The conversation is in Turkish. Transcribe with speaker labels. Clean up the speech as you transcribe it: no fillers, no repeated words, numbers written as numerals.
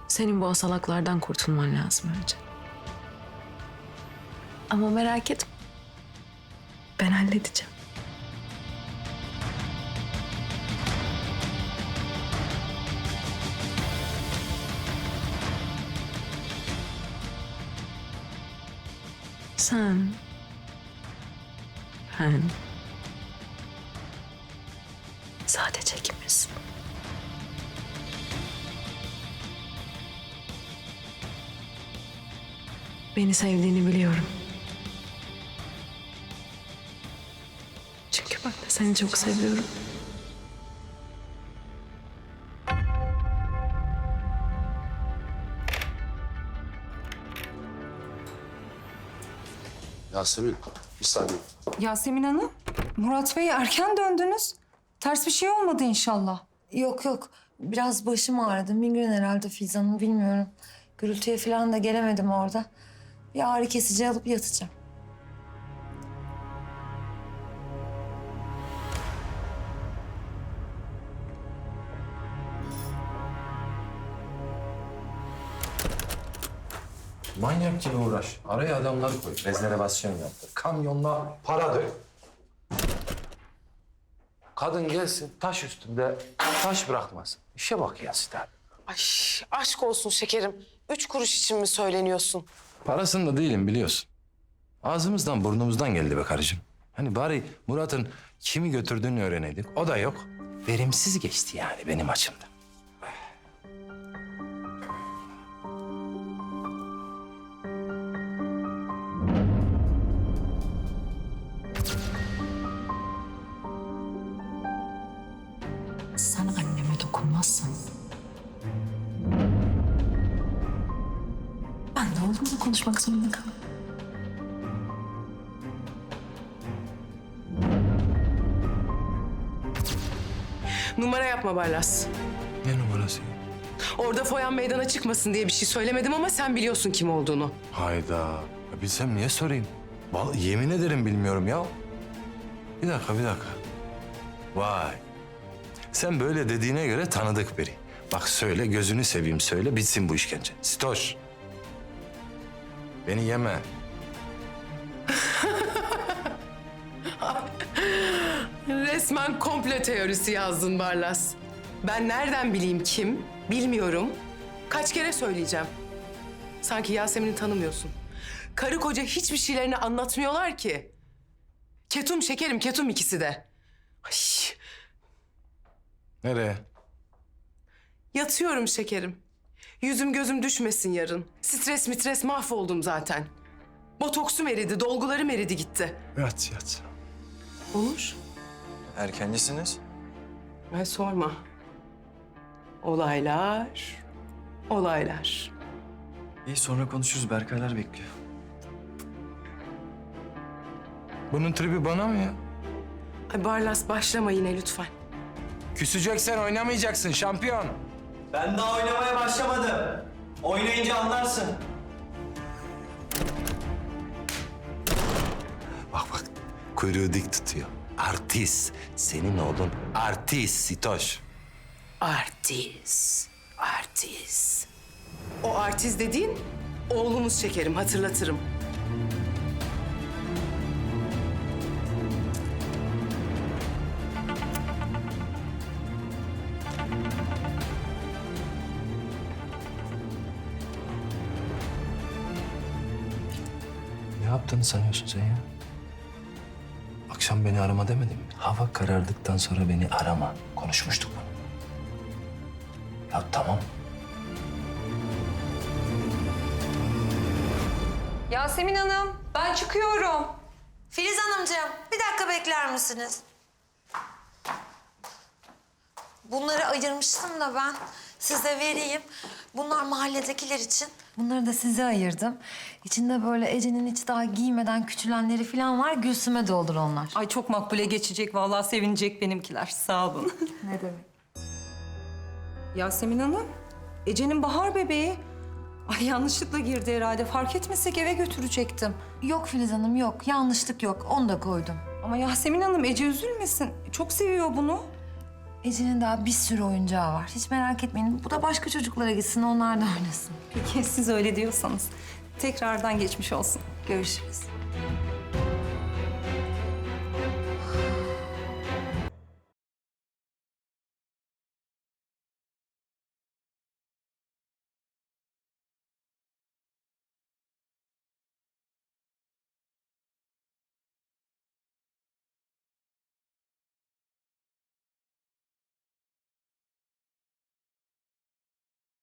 Speaker 1: Senin bu asalaklardan kurtulman lazım önce. Ama merak etme. Ben halledeceğim. Sen, ben, sadece ikimiz. Beni sevdiğini biliyorum. Çünkü ben de seni çok seviyorum.
Speaker 2: Yasemin, bir saniye.
Speaker 3: Yasemin Hanım, Murat Bey erken döndünüz. Ters bir şey olmadı inşallah.
Speaker 4: Yok yok. Biraz başım ağrıdı. Migren herhalde Filiz Hanım, bilmiyorum. Gürültüye falan da gelemedim orada. Bir ağrı kesici alıp yatacağım.
Speaker 5: Manyak gibi uğraş. Araya adamları koy. Rezervasyon yaptır. Kamyonla para dök. Kadın gelsin taş üstünde taş bırakmasın. İşe bak ya Siter.
Speaker 6: Ay aşk olsun şekerim. 3 kuruş için mi söyleniyorsun?
Speaker 5: Parasında değilim biliyorsun. Ağzımızdan burnumuzdan geldi be karıcığım. Hani bari Murat'ın kimi götürdüğünü öğreneydik. O da yok. Verimsiz geçti yani benim açımdan.
Speaker 1: Sen anneme dokunmazsan... ben de oğlumla konuşmak zorunda kalırım.
Speaker 6: Numara yapma Barlas.
Speaker 5: Ne numarası?
Speaker 6: Orada foyan meydana çıkmasın diye bir şey söylemedim ama sen biliyorsun kim olduğunu.
Speaker 5: Hayda. Ya bilsem niye sorayım? Vallahi yemin ederim bilmiyorum ya. Bir dakika. Vay. Sen böyle dediğine göre tanıdık biri. Bak söyle, gözünü seveyim söyle, bitsin bu işkence. Sitoş. Beni yeme.
Speaker 6: Resmen komplo teorisi yazdın Barlas. Ben nereden bileyim kim? Bilmiyorum. Kaç kere söyleyeceğim. Sanki Yasemin'i tanımıyorsun. Karı koca hiçbir şeylerini anlatmıyorlar ki. Ketum şekerim, ketum ikisi de. Ay,
Speaker 5: Nereye?
Speaker 6: yatıyorum şekerim. Yüzüm gözüm düşmesin yarın. Stres mahvoldum zaten. Botoksum eridi, dolgularım eridi gitti.
Speaker 5: Yat.
Speaker 6: Onur,
Speaker 7: Erkencisiniz.
Speaker 6: ay sorma. Olaylar.
Speaker 7: İyi sonra konuşuruz. Berkaylar bekliyor.
Speaker 5: Bunun tribi bana mı ya?
Speaker 6: Ay Barlas başlama yine lütfen.
Speaker 5: Küseceksen oynamayacaksın şampiyon.
Speaker 7: Ben daha oynamaya başlamadım. Oynayınca anlarsın.
Speaker 5: Bak kuyruğu dik tutuyor. Artist. Senin oğlun artist Sitoş.
Speaker 6: Artist. O artist dediğin oğlumuz şekerim, hatırlatırım.
Speaker 5: Ne yaptığını sanıyorsun sen ya? Akşam beni arama demedim mi? Hava karardıktan sonra beni arama. Konuşmuştuk bunu. Ya tamam.
Speaker 3: Yasemin Hanım, ben çıkıyorum.
Speaker 4: Filiz Hanımcığım, bir dakika bekler misiniz? Bunları ayırmıştım da ben size vereyim. Bunlar mahalledekiler için. Bunları da size ayırdım. İçinde böyle Ece'nin hiç daha giymeden küçülenleri falan var. Gülsüm'e de olur onlar.
Speaker 3: Ay çok makbule geçecek vallahi, sevinecek benimkiler. Sağ olun.
Speaker 4: Ne demek?
Speaker 3: Yasemin Hanım, Ece'nin bahar bebeği. Ay yanlışlıkla girdi herhalde. Fark etmesek eve götürecektim.
Speaker 4: Yok Filiz Hanım, yok. Yanlışlık yok. Onu da koydum.
Speaker 3: Ama Yasemin Hanım, Ece üzülmesin. Çok seviyor bunu.
Speaker 4: Ece'nin daha bir sürü oyuncağı var. Hiç merak etmeyin. Bu da başka çocuklara gitsin, onlar da oynasın.
Speaker 3: Peki siz öyle diyorsanız. Tekrardan geçmiş olsun.
Speaker 4: Görüşürüz.